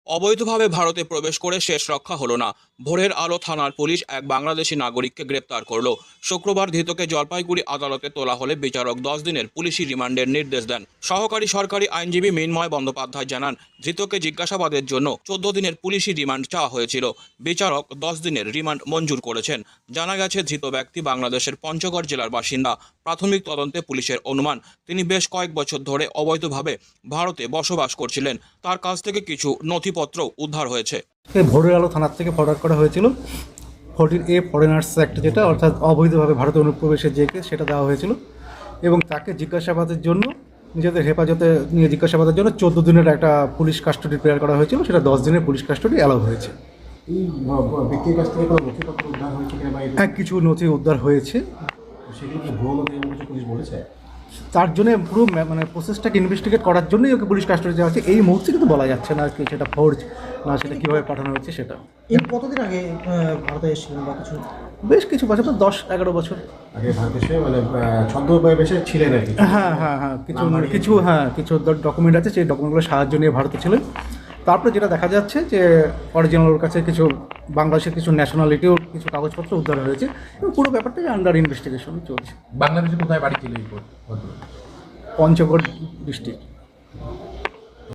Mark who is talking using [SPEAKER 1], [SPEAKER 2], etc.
[SPEAKER 1] অবৈধভাবে ভারতে প্রবেশ করে শেষ রক্ষা হলো না। ভোরের আলো থানার পুলিশ এক বাংলাদেশি নাগরিককে গ্রেপ্তার করল। শুক্রবার ধৃতকে জলপাইগুড়ি আদালতে তোলা হলে বিচারক 10 দিনের পুলিশি রিমান্ডের নির্দেশ দেন। সহকারী সরকারি আইনজীবী মৃন্ময় বন্দ্যোপাধ্যায় জানান, ধৃতকে জিজ্ঞাসাবাদের জন্য 14 দিনের পুলিশি রিমান্ড চাওয়া হয়েছিল। বিচারক 10 দিনের রিমান্ড মঞ্জুর করেছেন। জানা গেছে, ধৃত ব্যক্তি বাংলাদেশের পঞ্চগড় জেলার বাসিন্দা। প্রাথমিক তদন্তে পুলিশের অনুমান, তিনি বেশ কয়েক বছর ধরে অবৈধভাবে ভারতে বসবাস করছিলেন। তার কাছ থেকে কিছু নথিপত্র উদ্ধার হয়েছে।
[SPEAKER 2] ভোরের আলো থানার থেকে ফরওয়ার্ড করা হয়েছিল 14A ফরেনার্স অ্যাক্ট, যেটা অর্থাৎ অবৈধভাবে ভারতে অনুপ্রবেশের যে কেস, সেটা দেওয়া হয়েছিল এবং তাকে জিজ্ঞাসাবাদের জন্য নিজেদের হেফাজতে নিয়ে জিজ্ঞাসাবাদের জন্য 14 দিনের একটা পুলিশ কাস্টডি প্রেয়ার করা হয়েছিল। সেটা 10 দিনের পুলিশ কাস্টডি অ্যালাউ হয়েছে।
[SPEAKER 3] এই ব্যক্তির কাছ থেকে কোনো নথিপত্র উদ্ধার হয়েছে কিনা বা
[SPEAKER 2] হ্যাঁ, কিছু নথি উদ্ধার হয়েছে।
[SPEAKER 3] সেগুলো কি ভুয়ো নথি এবং কিছু পুলিশ বলেছে?
[SPEAKER 2] তার জন্য পুরো প্রসেসটাকে ইনভেস্টিগেট করার জন্যই ওকে পুলিশ কাস্টডি দেওয়া হচ্ছে। এই মুহূর্তে কিন্তু বলা যাচ্ছে না কি সেটা ফোর্জ না সেটা কীভাবে পাঠানো হয়েছে সেটা।
[SPEAKER 4] এর কতদিন আগে ভারতে এসেছিলেন বা কিছু?
[SPEAKER 2] বেশ কিছু বছর, 10-11 বছর
[SPEAKER 3] আগে ভারতে এসে ছদ্মবেশে ছিলেন আর কি।
[SPEAKER 2] হ্যাঁ কিছু ডকুমেন্ট আছে, সেই ডকুমেন্টগুলো সাহায্য নিয়ে ভারতে ছিলেন। তারপরে যেটা দেখা যাচ্ছে যে অরিজিনাল কাছে কিছু বাংলাদেশের কিছু ন্যাশনালিটিও কিছু কাগজপত্র উদ্ধার হয়েছে এবং পুরো ব্যাপারটাই আন্ডার ইনভেস্টিগেশন চলছে।
[SPEAKER 5] বাংলাদেশে কোথায় বাড়ি ছিল এই ভদ্রলোক?
[SPEAKER 2] পঞ্চগড় ডিস্ট্রিক্ট।